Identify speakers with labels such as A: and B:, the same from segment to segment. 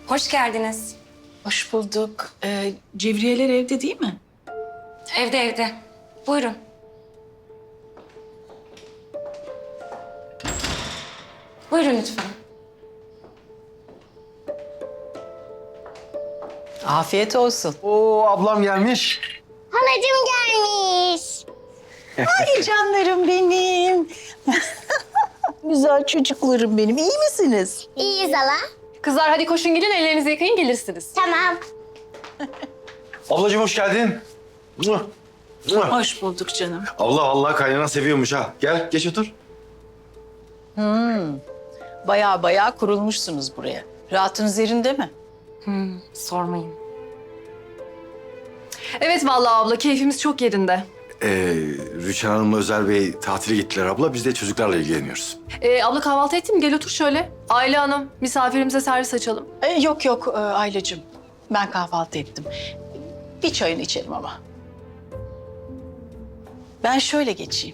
A: Hoş geldiniz.
B: Hoş bulduk. Cevriyeler evde değil mi?
A: Evde evde. Buyurun. Buyurun lütfen.
B: Afiyet olsun.
C: Oo, ablam gelmiş.
D: Halacığım gelmiş.
B: Ay canlarım benim. Güzel çocuklarım benim. İyi misiniz?
D: İyiyiz hala.
E: Kızlar hadi koşun gidin ellerinizi yıkayın gelirsiniz.
D: Tamam.
C: Ablacığım hoş geldin. Muah, muah.
B: Hoş bulduk canım.
C: Abla vallahi kaynana seviyormuş ha. Gel geç otur.
B: Baya kurulmuşsunuz buraya. Rahatınız yerinde mi?
A: Sormayın.
E: Evet vallahi abla keyfimiz çok yerinde.
C: Rüçhan Hanım'la Özer Bey tatile gittiler abla. Biz de çocuklarla ilgileniyoruz.
E: Abla kahvaltı ettin mi? Gel otur şöyle. Aile Hanım misafirimize servis açalım.
B: Yok Aylacığım. Ben kahvaltı ettim. Bir çayını içelim ama. Ben şöyle geçeyim.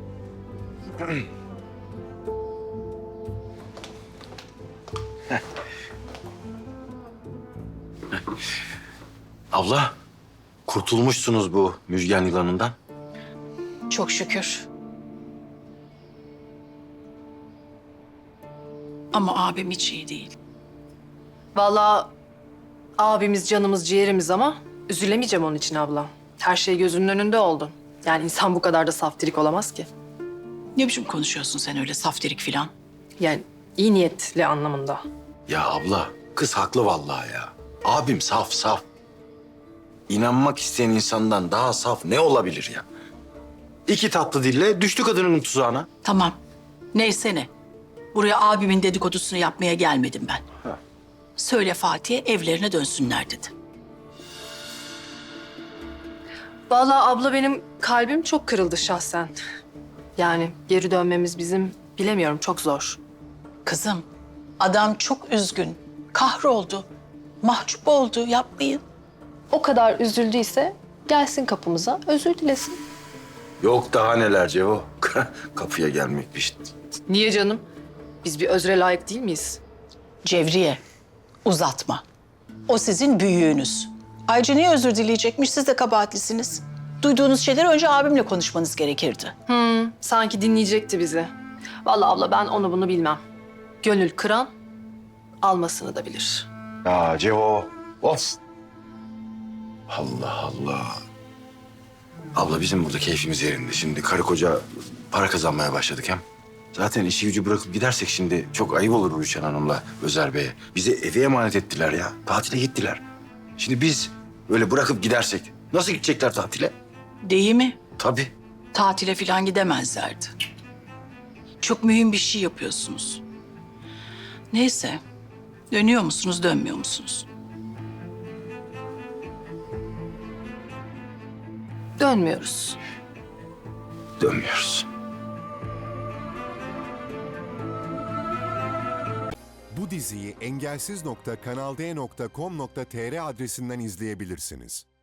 C: Abla kurtulmuşsunuz bu müjgan yılanından.
B: Çok şükür. Ama abim hiç iyi değil.
E: Vallahi abimiz canımız ciğerimiz ama üzülemeyeceğim onun için abla. Her şey gözünün önünde oldu. Yani insan bu kadar da saftirik olamaz ki.
B: Ne biçim konuşuyorsun sen öyle saftirik filan?
E: Yani iyi niyetli anlamında.
C: Ya abla kız haklı vallahi ya. Abim saf saf. İnanmak isteyen insandan daha saf ne olabilir ya? İki tatlı dille düştü kadının tuzağına.
B: Tamam. Neyse ne. Buraya abimin dedikodusunu yapmaya gelmedim ben. Söyle Fatih'e evlerine dönsünler dedi.
E: Vallahi abla benim kalbim çok kırıldı şahsen. Yani geri dönmemiz bizim bilemiyorum çok zor.
B: Kızım, adam çok üzgün. Kahroldu. Mahcup oldu. Yapmayın.
E: O kadar üzüldüyse gelsin kapımıza özür dilesin.
C: Yok daha neler Cevo. Kapıya gelmekmiş.
E: Niye canım? Biz bir özre layık değil miyiz?
B: Cevriye, uzatma. O sizin büyüğünüz. Ayrıca niye özür dileyecekmiş? Siz de kabahatlisiniz. Duyduğunuz şeyleri önce abimle konuşmanız gerekirdi.
E: Sanki dinleyecekti bizi. Vallahi abla ben onu bunu bilmem. Gönül kıran almasını da bilir.
C: Ya Cevo. Of. Allah Allah. Abla bizim burada keyfimiz yerinde. Şimdi karı koca para kazanmaya başladık hem. Zaten işi gücü bırakıp gidersek şimdi çok ayıp olur Rüçhan Hanım'la Özer Bey'e. Bizi eve emanet ettiler ya. Tatile gittiler. Şimdi biz böyle bırakıp gidersek nasıl gidecekler tatile?
B: Değil mi?
C: Tabii.
B: Tatile falan gidemezlerdi. Çok mühim bir şey yapıyorsunuz. Neyse, dönüyor musunuz, dönmüyor musunuz?
E: Dönmüyoruz.
C: Dönmüyoruz.
F: Bu diziyi engelsiz.kanalde.com.tr adresinden izleyebilirsiniz.